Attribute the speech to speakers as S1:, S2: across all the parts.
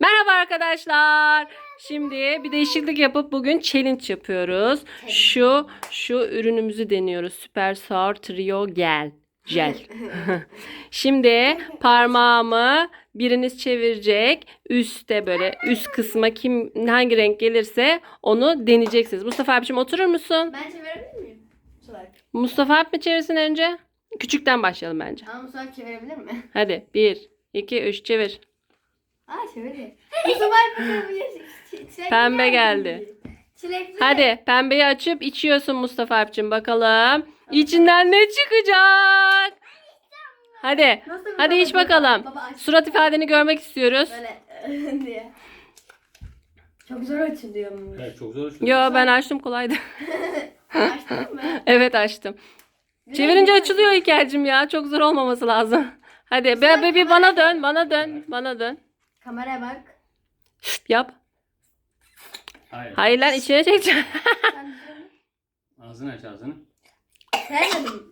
S1: Merhaba arkadaşlar. Şimdi bir değişiklik yapıp bugün challenge yapıyoruz. Şu ürünümüzü deniyoruz. Super Sour Trio Gel. Şimdi parmağımı biriniz çevirecek. Üste böyle üst kısma hangi renk gelirse onu deneyeceksiniz. Mustafa abiciğim oturur musun?
S2: Ben çevirebilir miyim?
S1: Mustafa abi mi çevirsin önce? Küçükten başlayalım bence.
S2: Ama Mustafa çevirebilir mi?
S1: Hadi 1, 2, 3 çevir.
S2: Çevirdi. Mustafa
S1: Pembe geldi.
S2: Çilekli.
S1: Hadi pembeyi açıp içiyorsun Mustafa abicim bakalım. İçinden ne çıkacak? Hadi.
S2: Nasıl bir
S1: Hadi iç
S2: baba?
S1: bakalım.
S2: Baba aç.
S1: Surat ifadeni görmek istiyoruz.
S2: Böyle diye. Çok zor açılıyor.
S3: Evet, çok zor.
S1: Yo ben açtım kolaydı.
S2: Açtın mı?
S1: Evet açtım. Çevirince açılıyor İlker'cim ya. Çok zor olmaması lazım. Hadi bir bana dön.
S2: Kameraya bak.
S1: Yap.
S3: Hayır.
S1: Hayır lan içine çekeceğim.
S3: Ağzını aç ağzını.
S2: Sevmedim.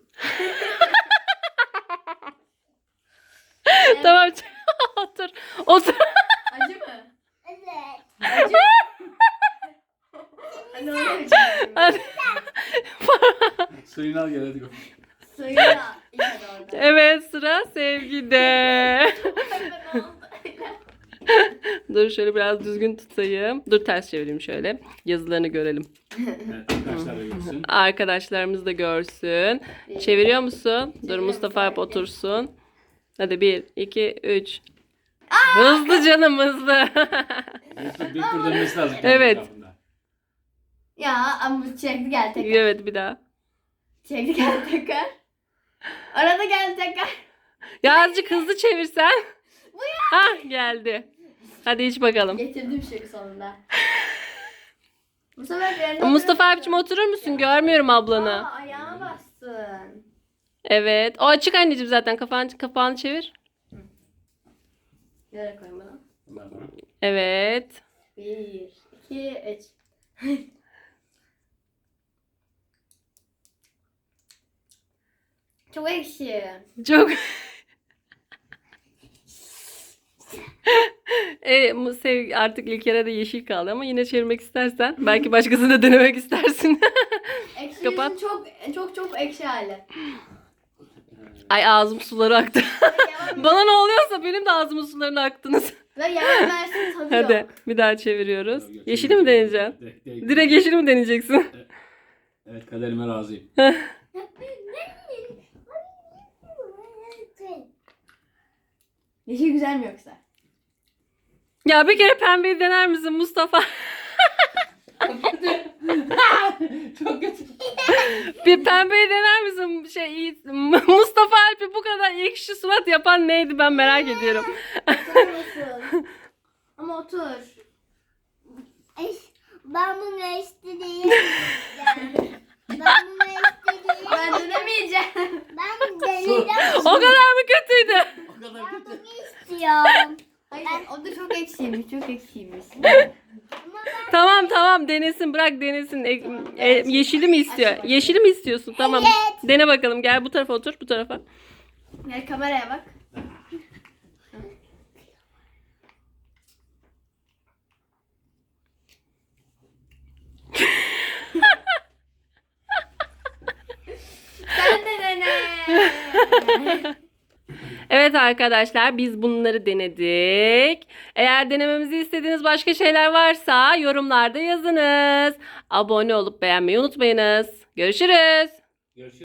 S1: Tamam. Otur. Otur.
S2: Acı mı?
S4: Evet.
S2: Acı. Hadi onu içelim.
S1: Hadi.
S3: Suyunu al gel hadi.
S2: Suyu da içer orada.
S1: Evet sıra Sevgi'de. Dur şöyle biraz düzgün tutayım. Dur ters çevireyim şöyle. Yazılarını görelim.
S3: Evet, arkadaşlar da görsün.
S1: Arkadaşlarımız da görsün. Çeviriyor musun? Dur Mustafa hep otursun. Hadi 1, 2, 3. Hızlı canım hızlı.
S3: Bir tur dönmesi lazım. kendi
S1: Evet.
S3: etrafında.
S2: Ya ama bu çilekli geldi tekrar.
S1: Evet bir daha.
S2: Çilekli geldi tekrar. Arada geldi tekrar.
S1: Ya azıcık hızlı çevirsen. Hah geldi. Hadi iç bakalım.
S2: Getirdim şık sonunda.
S1: Mustafa abicim oturur musun? Görmüyorum ablanı.
S2: Ayağına bastın.
S1: Evet. O açık anneciğim zaten. Kapağını çevir.
S2: Nereye koyayım bunu?
S3: Bundan sonra.
S1: Evet.
S2: 1, 2, 3. Çok ekşi.
S1: Çok. Artık İlker'e de yeşil kaldı ama yine çevirmek istersen. Belki başkasını da denemek istersin.
S2: Ekşi
S1: Kapat.
S2: çok ekşi hali.
S1: Ay ağzım suları aktı.
S2: Yalan
S1: Bana ne oluyorsa benim de ağzımın sularını aktınız.
S2: ve yalan versin tadı
S1: Hadi
S2: yok.
S1: bir daha çeviriyoruz.
S3: Yok, yok,
S1: Yeşili mi deneyeceksin? Direkt yeşili mi deneyeceksin?
S3: Evet, kaderime razıyım.
S2: Yeşil güzel mi yoksa?
S1: Ya bir kere pembeyi dener misin Mustafa?
S3: Çok kötü.
S1: Bir pembeyi dener misin? Mustafa Alp'i bu kadar ekşi surat yapan neydi ben merak ediyorum.
S2: Oturur musun? Ama otur.
S4: Ben bunu istediğim. Ben bunu istediğim.
S2: Ben dönemeyeceğim.
S4: Ben deneyeceğim.
S1: O kadar mı kötüydü?
S3: O kadar
S4: Ben
S3: kötü.
S4: bunu istiyorum.
S2: Hayır o da çok ekşiymiş. Çok ekşiymiş.
S1: Tamam denesin bırak denesin. Yeşili mi istiyor? Yeşili mi istiyorsun? Tamam.
S4: Evet.
S1: Dene bakalım gel bu tarafa otur bu tarafa.
S2: Gel kameraya bak. Sen de dene.
S1: Evet arkadaşlar biz bunları denedik. Eğer denememizi istediğiniz başka şeyler varsa yorumlarda yazınız. Abone olup beğenmeyi unutmayınız. Görüşürüz.
S3: Görüşürüz.